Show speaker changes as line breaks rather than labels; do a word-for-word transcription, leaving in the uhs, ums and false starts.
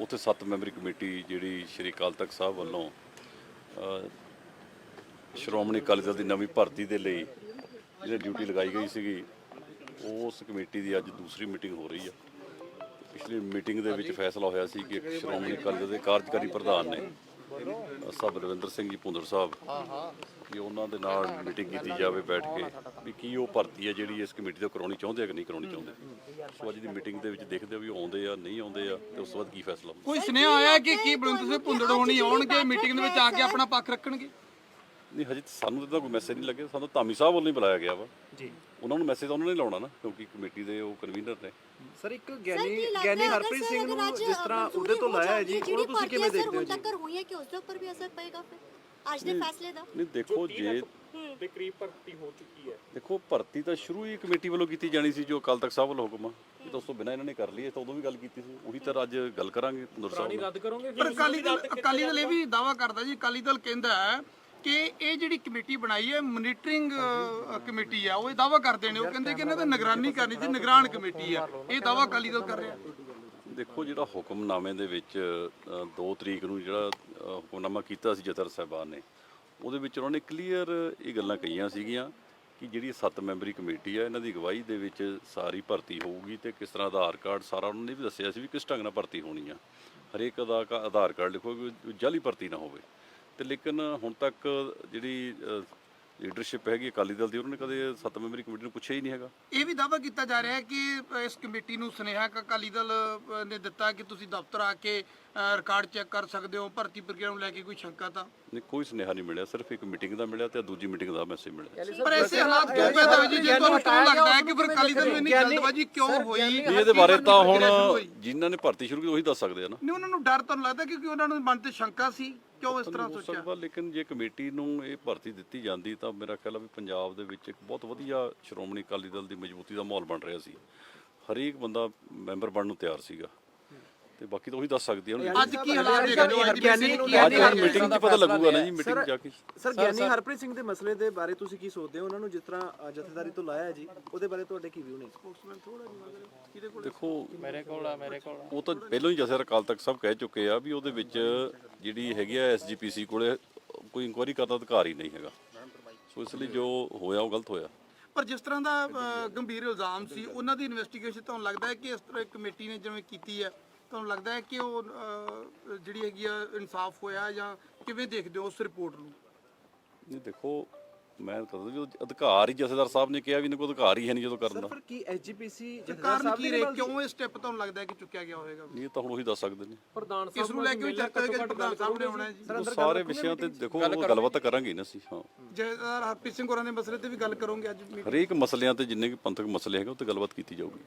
ਉੱਥੇ ਸੱਤ memory committee ਜਿਹੜੀ ਸ਼੍ਰੀ ਅਕਾਲ ਤਖਤ ਸਾਹਿਬ ਵੱਲੋਂ ਸ਼੍ਰੋਮਣੀ ਅਕਾਲੀ ਦਲ ਦੀ ਨਵੀਂ ਭਰਤੀ ਦੇ ਲਈ ਜਿਹੜੀ ਡਿਊਟੀ ਲਗਾਈ ਗਈ ਸੀਗੀ, ਉਸ ਕਮੇਟੀ ਦੀ ਅੱਜ ਦੂਸਰੀ ਮੀਟਿੰਗ ਹੋ ਰਹੀ ਆ। ਪਿਛਲੀ ਮੀਟਿੰਗ ਦੇ ਵਿੱਚ ਫੈਸਲਾ ਹੋਇਆ ਸੀ ਕਿ ਸ਼੍ਰੋਮਣੀ ਅਕਾਲੀ ਦਲ ਦੇ ਕਾਰਜਕਾਰੀ ਪ੍ਰਧਾਨ ਨੇ ਸਾਹਿਬ ਰਵਿੰਦਰ ਸਿੰਘ ਜੀ ਭੁੰਦੜ ਸਾਹਿਬ, ਕਿ ਉਹਨਾਂ ਦੇ ਨਾਲ ਮੀਟਿੰਗ ਕੀਤੀ ਜਾਵੇ ਬੈਠ ਕੇ, ਵੀ ਕੀ ਉਹ ਭਰਤੀ ਹੈ ਜਿਹੜੀ ਇਸ ਕਮੇਟੀ ਤੋਂ ਕਰਾਉਣੀ ਚਾਹੁੰਦੇ ਆ ਕਿ ਨਹੀਂ ਕਰਾਉਣੀ ਚਾਹੁੰਦੇ। ਸੋ ਅੱਜ ਦੀ ਮੀਟਿੰਗ ਦੇ ਵਿੱਚ ਦੇਖਦੇ ਆ ਵੀ ਆਉਂਦੇ ਆ ਨਹੀਂ ਆਉਂਦੇ ਆ, ਤੇ ਉਸ ਤੋਂ ਬਾਅਦ ਕੀ ਫੈਸਲਾ ਹੁੰਦਾ।
ਕੋਈ ਸੁਨੇਹਾ ਆਇਆ ਕਿ ਕੀ ਬਲਵੰਤ ਸਿੰਘ ਭੁੰਦੜ ਹੋਣੀ ਆਉਣਗੇ ਮੀਟਿੰਗ ਦੇ ਵਿੱਚ ਆ ਕੇ ਆਪਣਾ ਪੱਖ ਰੱਖਣਗੇ?
ਨਹੀਂ, ਹਜੇ ਸਾਨੂੰ ਤਾਂ ਕੋਈ ਮੈਸੇਜ ਨਹੀਂ ਲੱਗਿਆ। ਸਾਨੂੰ ਧਾਮੀ ਸਾਹਿਬ ਵੱਲੋਂ ਹੀ ਬੁਲਾਇਆ ਗਿਆ ਵਾ
ਜੀ।
ਉਹਨਾਂ ਨੂੰ ਮੈਸੇਜ ਉਹਨਾਂ ਨੇ ਲਾਉਣਾ ਨਾ, ਕਿਉਂਕਿ ਕਮੇਟੀ ਦੇ ਉਹ ਕਨਵੀਨਰ ਨੇ।
ਸਰ ਇੱਕ ਗਿਆਨੀ ਗਿਆਨੀ ਹਰਪ੍ਰੀਤ ਸਿੰਘ ਨੂੰ ਜਿਸ ਤਰ੍ਹਾਂ ਉਹਦੇ ਤੋਂ ਲਾਇਆ ਹੈ ਜੀ, ਉਹਨੂੰ ਤੁਸੀਂ ਕਿਵੇਂ ਦੇਖਦੇ ਹੋ ਜੀ?
ਟੱਕਰ ਹੋਈ ਹੈ ਕਿ ਉਸ ਦੇ ਉੱਪਰ ਵੀ ਅਸਰ ਪਏਗਾ ਫਿਰ ਅੱਜ ਦੇ ਫੈਸਲੇ ਦਾ?
ਨਹੀਂ ਦੇਖੋ, ਜੇ
ਦੇ ਕਰੀਬ ਭਰਤੀ ਹੋ ਚੁੱਕੀ ਹੈ,
ਦੇਖੋ ਭਰਤੀ ਤਾਂ ਸ਼ੁਰੂ ਹੀ ਕਮੇਟੀ ਵੱਲੋਂ ਕੀਤੀ ਜਾਣੀ ਸੀ, ਜੋ ਅਕਾਲ ਤਖਤ ਸਾਹਿਬ ਵੱਲੋਂ ਹੁਕਮ ਆ। ਇਹ ਤਾਂ ਉਸ ਤੋਂ ਬਿਨਾਂ ਇਹਨਾਂ ਨੇ ਕਰ ਲਈ, ਇਹ ਤਾਂ ਉਦੋਂ ਵੀ ਗੱਲ ਕੀਤੀ ਸੀ, ਉਹੀ ਤਾਂ ਅੱਜ ਗੱਲ ਕਰਾਂਗੇ ਭੁੰਦੜ ਸਾਹਿਬ ਨਾਲ।
ਰੱਦ ਕਰੋਗੇ?
ਪਰ ਅਕਾਲੀ ਦਲ ਅਕਾਲੀ ਦਲ ਇਹ ਵੀ ਦਾਅਵਾ ਕਰਦਾ ਜੀ, ਅਕਾਲੀ ਦਲ ਕਹਿੰਦਾ ਹੈ ਕਿ ਇਹ ਜਿਹੜੀ ਕਮੇਟੀ ਬਣਾਈ ਹੈ ਮੋਨੀਟਰਿੰਗ ਕਮੇਟੀ ਆ, ਉਹ ਇਹ ਦਾਅਵਾ ਕਰਦੇ ਨੇ, ਉਹ ਕਹਿੰਦੇ ਕਿ ਇਹਨਾਂ ਦਾ ਨਿਗਰਾਨੀ ਕਰਨੀ ਸੀ, ਨਿਗਰਾਨ ਕਮੇਟੀ ਆ। ਇਹ ਦਾਅਵਾ ਅਕਾਲੀ ਦਲ ਕਰ ਰਿਹਾ।
ਦੇਖੋ, ਜਿਹੜਾ ਹੁਕਮਨਾਮੇ ਦੇ ਵਿੱਚ ਦੋ ਤਰੀਕ ਨੂੰ ਜਿਹੜਾ ਹੁਕਮਨਾਮਾ ਕੀਤਾ ਸੀ ਜਥੇਦਾਰ ਸਾਹਿਬਾਨ ਨੇ, ਉਹਦੇ ਵਿੱਚ ਉਹਨਾਂ ਨੇ ਕਲੀਅਰ ਇਹ ਗੱਲਾਂ ਕਹੀਆਂ ਸੀਗੀਆਂ ਕਿ ਜਿਹੜੀ ਸੱਤ ਮੈਂਬਰੀ ਕਮੇਟੀ ਆ, ਇਹਨਾਂ ਦੀ ਅਗਵਾਈ ਦੇ ਵਿੱਚ ਸਾਰੀ ਭਰਤੀ ਹੋਊਗੀ, ਤੇ ਕਿਸ ਤਰ੍ਹਾਂ ਆਧਾਰ ਕਾਰਡ ਸਾਰਾ ਉਹਨਾਂ ਨੇ ਵੀ ਦੱਸਿਆ ਸੀ ਵੀ ਕਿਸ ਢੰਗ ਨਾਲ ਭਰਤੀ ਹੋਣੀ ਆ। ਹਰੇਕ ਦਾ ਆਧਾਰ ਕਾਰਡ ਲਿਖੋਗੇ, ਜਾਲੀ ਭਰਤੀ ਨਾ ਹੋਵੇ। ਤੇ ਲੇਕਿਨ ਹੁਣ ਤੱਕ ਜਿਹੜੀ ਲੀਡਰਸ਼ਿਪ ਹੈਗੀ ਅਕਾਲੀ ਦਲ ਦੀ, ਉਹਨਾਂ ਨੇ ਕਦੇ ਸੱਤ ਮੈਂਬਰੀ ਕਮੇਟੀ ਨੂੰ ਪੁੱਛਿਆ ਹੀ ਨਹੀਂ ਹੈਗਾ।
ਇਹ ਵੀ ਦਾਅਵਾ ਕੀਤਾ ਜਾ ਰਿਹਾ ਹੈ ਕਿ ਇਸ ਕਮੇਟੀ ਨੂੰ ਸੁਨੇਹਾ ਅਕਾਲੀ ਦਲ ਨੇ ਦਿੱਤਾ ਕਿ ਤੁਸੀਂ ਦਫ਼ਤਰ ਆ ਕੇ ਰਿਕਾਰਡ ਚੈੱਕ ਕਰ ਸਕਦੇ ਹੋ, ਭਰਤੀ ਪ੍ਰਕਿਰਿਆ ਨੂੰ ਲੈ ਕੇ ਕੋਈ ਸ਼ੰਕਾ ਤਾਂ
ਨਹੀਂ, ਕੋਈ ਸੁਨੇਹਾ ਨਹੀਂ ਮਿਲਿਆ, ਸਿਰਫ ਇੱਕ ਮੀਟਿੰਗ ਦਾ ਮਿਲਿਆ ਤੇ ਦੂਜੀ ਮੀਟਿੰਗ ਦਾ ਮੈਸੇਜ ਮਿਲਿਆ।
ਪਰ ਐਸੇ ਹਾਲਾਤ ਕਿਉਂ ਪੈਦਾ ਹੋਏ ਜੀ? ਜੇ ਤੁਹਾਨੂੰ ਕਿਉਂ ਲੱਗਦਾ ਹੈ ਕਿ ਫਿਰ ਅਕਾਲੀ ਦਲ ਨੂੰ ਇੰਨੀ ਜਲਦਬਾਜ਼ੀ ਕਿਉਂ ਹੋਈ?
ਇਹਦੇ ਬਾਰੇ ਤਾਂ ਹੁਣ ਜਿਨ੍ਹਾਂ ਨੇ ਭਰਤੀ ਸ਼ੁਰੂ ਕੀਤੀ ਉਹੀ ਦੱਸ ਸਕਦੇ ਆ ਨਾ।
ਨਹੀਂ, ਉਹਨਾਂ ਨੂੰ ਡਰ ਤੁਹਾਨੂੰ ਲੱਗਦਾ ਕਿਉਂਕਿ ਉਹਨਾਂ ਨੂੰ ਮਨ ਤੇ ਸ਼ੰਕਾ ਸੀ, ਕਿਉਂ ਇਸ ਤਰ੍ਹਾਂ
ਹੋ
ਸੋਚਿਆ?
ਸਕਦਾ, ਲੇਕਿਨ ਜੇ ਕਮੇਟੀ ਨੂੰ ਇਹ ਭਰਤੀ ਦਿੱਤੀ ਜਾਂਦੀ ਤਾਂ ਮੇਰਾ ਖਿਆਲ ਆ ਵੀ ਪੰਜਾਬ ਦੇ ਵਿੱਚ ਇੱਕ ਬਹੁਤ ਵਧੀਆ ਸ਼੍ਰੋਮਣੀ ਅਕਾਲੀ ਦਲ ਦੀ ਮਜ਼ਬੂਤੀ ਦਾ ਮਾਹੌਲ ਬਣ ਰਿਹਾ ਸੀ। ਹਰੇਕ ਬੰਦਾ ਮੈਂਬਰ ਬਣਨ ਨੂੰ ਤਿਆਰ ਸੀਗਾ, ਤੇ ਬਾਕੀ ਤਾਂ ਉਹੀ ਦੱਸ ਸਕਦੀ ਆ।
ਅੱਜ ਕੀ ਹਾਲਾਤ ਦੇਖਦੇ ਹੋ? ਅੱਜ
ਗਿਆਨੀ
ਅੱਜ ਮੀਟਿੰਗ 'ਚ ਪਤਾ ਲੱਗੂਗਾ ਨਾ ਜੀ, ਮੀਟਿੰਗ ਜਾ ਕੇ।
ਸਰ ਗਿਆਨੀ ਹਰਪ੍ਰੀਤ ਸਿੰਘ ਦੇ ਮਸਲੇ ਦੇ ਬਾਰੇ ਤੁਸੀਂ ਕੀ ਸੋਚਦੇ ਹੋ? ਉਹਨਾਂ ਨੂੰ ਜਿਸ ਤਰ੍ਹਾਂ ਜਥੇਦਾਰੀ ਤੋਂ ਲਾਇਆ ਹੈ ਜੀ, ਉਹਦੇ ਬਾਰੇ ਤੁਹਾਡੇ ਕੀ ਵਿਊ ਨੇ?
ਦੇਖੋ,
ਮੇਰੇ ਕੋਲ ਆ ਮੇਰੇ ਕੋਲ
ਉਹ ਤਾਂ ਪਹਿਲਾਂ ਹੀ ਜਥੇਦਾਰ ਅਕਾਲ ਤਖਤ ਸਾਹਿਬ ਕਹਿ ਚੁੱਕੇ ਆ ਵੀ ਉਹਦੇ ਵਿੱਚ ਜਿਹੜੀ ਹੈਗੀ ਆ ਐਸ ਜੀ ਪੀ ਸੀ ਕੋਲੇ ਕੋਈ ਇਨਕੁਆਇਰੀ ਕਰਨ ਦਾ ਅਧਿਕਾਰ ਹੀ ਨਹੀਂ ਹੈਗਾ। ਸੋ ਇਸ ਲਈ ਜੋ ਹੋਇਆ ਉਹ ਗਲਤ ਹੋਇਆ।
ਪਰ ਜਿਸ ਤਰ੍ਹਾਂ ਦਾ ਅ, ਗੰਭੀਰ ਇਲਜ਼ਾਮ ਸੀ, ਉਹਨਾਂ ਦੀ ਇਨਵੈਸਟੀਗੇਸ਼ਨ ਤੁਹਾਨੂੰ ਲੱਗਦਾ ਹੈ ਕਿ ਇਸ ਤਰ੍ਹਾਂ ਕਮੇਟੀ ਨੇ ਜਿਵੇਂ ਕੀਤੀ ਹੈ, ਤੁਹਾਨੂੰ ਲੱਗਦਾ ਹੈ ਕਿ ਉਹ ਅ, ਜਿਹੜੀ ਹੈਗੀ ਆ ਇਨਸਾਫ ਹੋਇਆ, ਜਾਂ ਕਿਵੇਂ ਦੇਖਦੇ ਹੋ ਉਸ ਰਿਪੋਰਟ ਨੂੰ?
ਨਹੀਂ ਦੇਖੋ, ਮੈਂ ਤਾਂ ਵੀ ਅਧਿਕਾਰ ਹੀ ਜਥੇਦਾਰ ਸਾਹਿਬ ਨੇ ਕਿਹਾ ਵੀ ਇਹਨਾਂ ਕੋਲ ਅਧਿਕਾਰ ਹੀ ਹੈ ਨਹੀਂ ਜਦੋਂ ਕਰਨ ਦਾ।
ਫਿਰ ਕੀ ਐਸ ਜੀ ਪੀ ਸੀ ਜਥੇਦਾਰ
ਕਾਰਨ
ਸਾਹਿਬ
ਕੀ
ਦੇ
ਰਹੇ, ਕਿਉਂ ਇਹ ਸਟੈਪ ਤੁਹਾਨੂੰ ਲੱਗਦਾ ਹੈ ਕਿ ਚੁੱਕਿਆ ਗਿਆ ਹੋਵੇਗਾ?
ਇਹ ਤਾਂ ਹੁਣ ਉਹੀ ਦੱਸ ਸਕਦੇ ਨੇ।
ਪ੍ਰਧਾਨ
ਇਸ ਨੂੰ ਲੈ ਕੇ ਵੀ ਚਰਚਾ ਹੋਏਗੀ, ਪ੍ਰਧਾਨ ਸਾਹਿਬ ਨੇ ਆਉਣਾ ਹੈ ਜੀ।
ਉਹ ਸਾਰੇ ਵਿਸ਼ਿਆਂ ਤੇ ਦੇਖੋ ਉਹ ਗੱਲਬਾਤ ਤਾਂ ਕਰਾਂਗੇ ਨਾ ਅਸੀਂ। ਹਾਂ,
ਜਥੇਦਾਰ ਹਰਪ੍ਰੀਤ ਸਿੰਘ ਹੋਰਾਂ ਦੇ ਮਸਲੇ ਤੇ ਵੀ ਗੱਲ ਕਰੋਗੇ ਅੱਜ?
ਹਰੇਕ ਮਸਲਿਆਂ ਤੇ ਜਿੰਨੇ ਵੀ ਪੰਥਕ ਮਸਲੇ ਹੈਗੇ ਉਹ ਤੇ ਗੱਲਬਾਤ ਕੀਤੀ ਜਾਊਗੀ।